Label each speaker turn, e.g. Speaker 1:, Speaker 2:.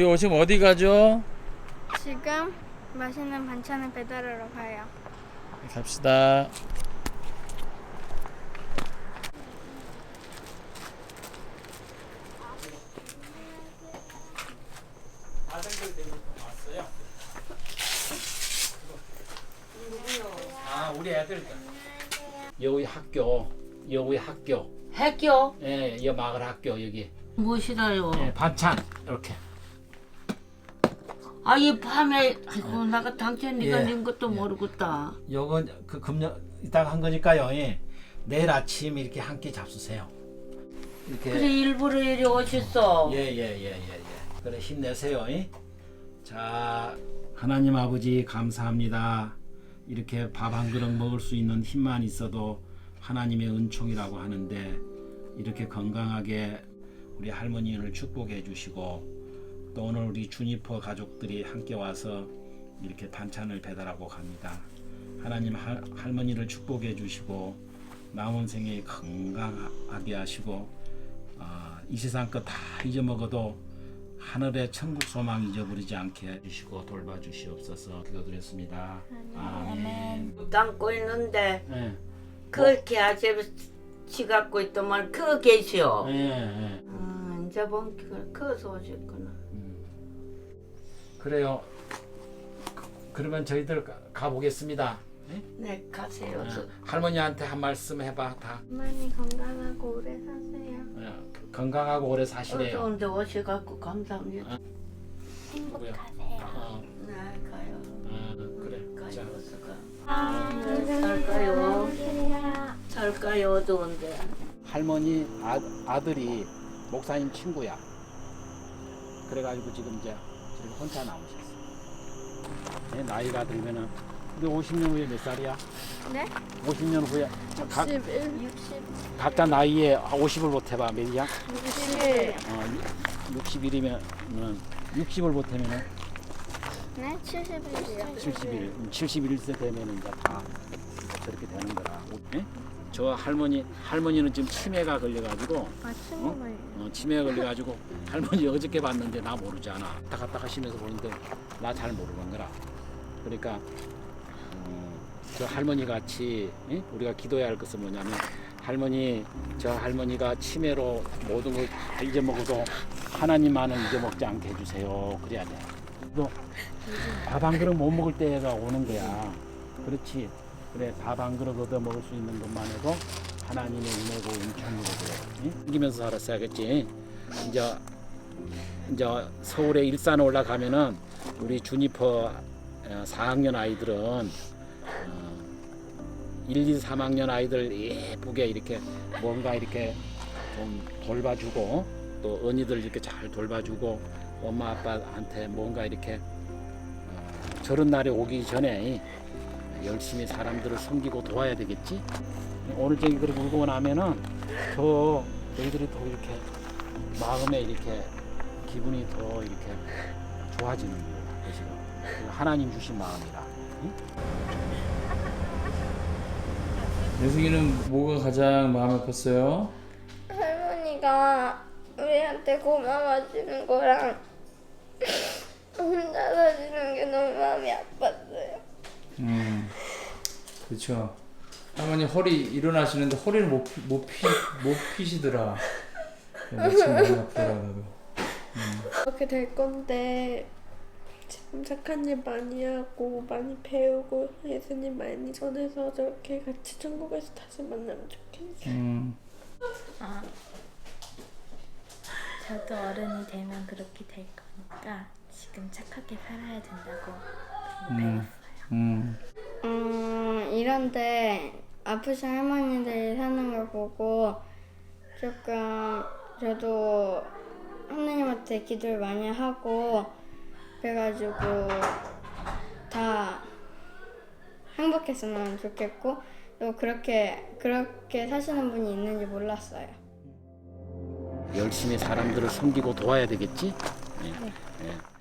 Speaker 1: 우리 지금 어디 가죠?
Speaker 2: 지금 맛있는 반찬을 배달하러 가요.
Speaker 1: 갑시다. 아, 우리 애들 여기 학교.
Speaker 3: 학교?
Speaker 1: 예, 이 마을 학교 여기.
Speaker 3: 무엇이라요?
Speaker 1: 예, 반찬 이렇게.
Speaker 3: 아, 이 밤에 아이고 나가 당최 네가
Speaker 1: 예.
Speaker 3: 님 것도 모르겠다.
Speaker 1: 요건 그 금년 이따가 한 거니까요. 예. 내일 아침 이렇게 한 끼 잡수세요. 이렇게.
Speaker 3: 그래 일부러 이리 오셨어.
Speaker 1: 예. 그래 힘내세요. 예? 자, 하나님 아버지 감사합니다. 이렇게 밥 한 그릇 먹을 수 있는 힘만 있어도 하나님의 은총이라고 하는데 이렇게 건강하게 우리 할머니를 축복해 주시고 또 오늘 우리 주니퍼 가족들이 함께 와서 이렇게 반찬을 배달하고 갑니다. 하나님 할머니를 축복해 주시고 남은 생에 건강하게 하시고 이 세상 것 다 잊어먹어도 하늘의 천국 소망 잊어버리지 않게 해주시고 돌봐주시옵소서. 기도드렸습니다. 아멘.
Speaker 3: 담고 있는데
Speaker 1: 예.
Speaker 3: 그렇게 아저씨 갖고 있더만 그거 계시오.
Speaker 1: 예.
Speaker 3: 이제 본기가 커서 오셨구나.
Speaker 1: 그래요. 그러면 저희들 가보겠습니다.
Speaker 3: 네 가세요.
Speaker 1: 할머니한테 한 말씀 해봐. 다
Speaker 2: 어머니 건강하고 오래 사세요.
Speaker 1: 건강하고 오래 사시래요.
Speaker 3: 어서운데 오셔갖고 감사합니다.
Speaker 2: 행복하세요.
Speaker 3: 네 가요.
Speaker 1: 그래. 자.
Speaker 3: 가요 어서 가. 살까요? 살까요 어두운데.
Speaker 1: 할머니 아들이 목사님 친구야. 그래가지고 지금 이제 혼자 나오셨어. 네, 나이가 들면은 근데 50년 후에 몇 살이야?
Speaker 2: 네?
Speaker 1: 50년 후에
Speaker 2: 61, 60,
Speaker 1: 각자 나이에 50을 못해봐. 몇이야?
Speaker 2: 61.
Speaker 1: 61이면 60을 못하면은
Speaker 2: 네? 71이요.
Speaker 1: 71세 되면은 이제 다 저렇게 되는 거라. 네? 저 할머니는 지금 치매가 걸려가지고
Speaker 2: 아, 친구가요.
Speaker 1: 치매가 걸려가지고 할머니 어저께 봤는데 나 모르잖아. 왔다 갔다 하시면서 보는데 나 잘 모르는 거라. 그러니까 저 할머니 같이 우리가 기도해야 할 것은 뭐냐면 저 할머니가 치매로 모든 걸 다 잊어먹어도 하나님만은 잊어먹지 않게 해주세요. 그래야 돼. 또 밥 한 그릇 못 먹을 때가 오는 거야. 그렇지. 그래 밥 한 그릇 얻어 먹을 수 있는 것만 해도 하나님의 은혜고 은총이고 이기면서 살았어야겠지. 이제 서울에 일산에 올라가면은 우리 주니퍼 4학년 아이들은 1, 2, 3학년 아이들 예쁘게 이렇게 뭔가 이렇게 좀 돌봐주고 또 언니들 이렇게 잘 돌봐주고 엄마 아빠한테 뭔가 이렇게 저런 날이 오기 전에 열심히 사람들을 섬기고 도와야 되겠지. 오늘 저기 그렇게 울고 나면은 더 너희들이 더 이렇게 마음에 이렇게 기분이 더 이렇게 좋아지는 것이고 하나님 주신 마음이라. 응? 예승이는 뭐가 가장 마음에 컸어요?
Speaker 2: 할머니가 우리한테 고마워지는 거랑 혼자 사시는 게 너무 마음이 아팠어요.
Speaker 4: 그렇죠. 할머니 허리 일어나시는데 허리를 못 피시더라. 마침 많이 아프더라고요.
Speaker 5: 그렇게 될 건데 지금 착한 일 많이 하고 많이 배우고 예수님 많이 전해서 저렇게 같이 천국에서 다시 만나면 좋겠어요.
Speaker 6: 저도 어른이 되면 그렇게 될 거니까 지금 착하게 살아야 된다고 배웠어요.
Speaker 2: 이런데 아프신 할머니들이 사는 걸 보고 조금 저도 하나님한테 기도를 많이 하고 그래가지고 다 행복했으면 좋겠고 또 그렇게 사시는 분이 있는지 몰랐어요.
Speaker 1: 열심히 사람들을 섬기고 도와야 되겠지. 네.